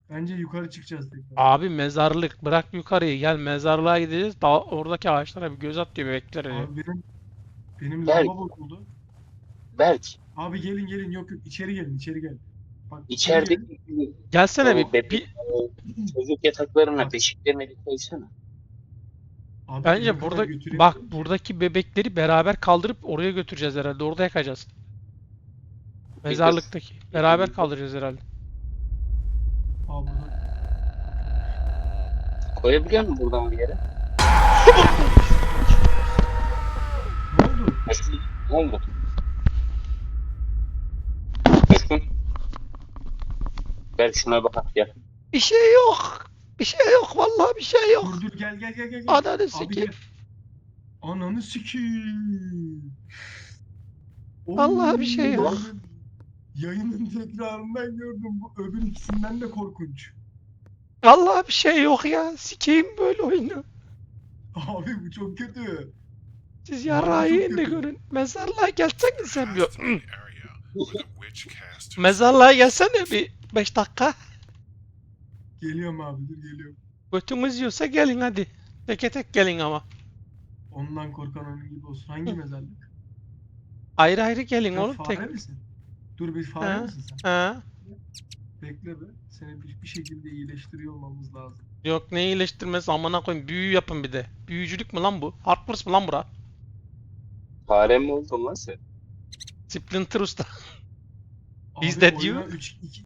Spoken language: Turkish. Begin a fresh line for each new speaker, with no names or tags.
Bence yukarı çıkacağız tekrar.
Abi mezarlık bırak yukarıyı gel mezarlığa gideceğiz. Daha oradaki ağaçlara bir göz at diyor bebekler.
Abi benim
Berk,
lamba bozuldu.
Berk,
Abi gelin yok yok içeri gelin içeri gelin. Bak içeri gelin.
içerideki
Gelsene
o bebek
Bak,
çocuk yataklarına,
bak
beşiklerine bir koysana.
abi eve
bence
kadar
burada bak
götüremiyorum ki.
buradaki bebekleri beraber kaldırıp oraya götüreceğiz herhalde. Orada yakacağız.
Bir kız.
Mezarlıktaki. Beraber kaldıracağız herhalde.
Abi burada
Koyabiliyor musun buradan bir yere?
ne oldu?
Mesut, ne oldu? Mesut, Berk şuna bak ya.
Bir şey yok. Bir şey yok. Vallahi bir şey yok.
Dur gel.
Ananı
Abi
sikeyim.
gel. Ananı sikeyim.
Vallahi bir şey yok.
Yayının tekrarından gördüm. Bu öbür ikisinden de korkunç.
Vallahi bir şey yok ya. Sikeyim böyle oyunu.
Abi bu çok kötü.
Siz
Bu harbi
yarrağı
çok
yiyin de
kötü.
görün. Mezarlığa gelsene sen bir.
Path to the area where the witch cast her
Mezarlığa gelsene bir 5 dakika.
Geliyorum abi dur geliyorum.
Götümüz yiyorsa gelin hadi. Teke tek gelin ama.
Ondan korkan onun gibi olsun. Hangi mezarlık?
Ayrı ayrı gelin
Sen
oğlum tek.
fare misin? Dur bir fare
Ha?
misin sen?
Ha?
Bekle be. Seni bir şekilde iyileştiriyor olmamız lazım.
Yok ne iyileştirmesi amına koyayım. Büyü yapın bir de. Büyücülük mü lan bu? Hogwarts mı lan bura?
Fare mi oldun lan sen?
Splinter Usta.
Abi
Is that
oyuna
you?
3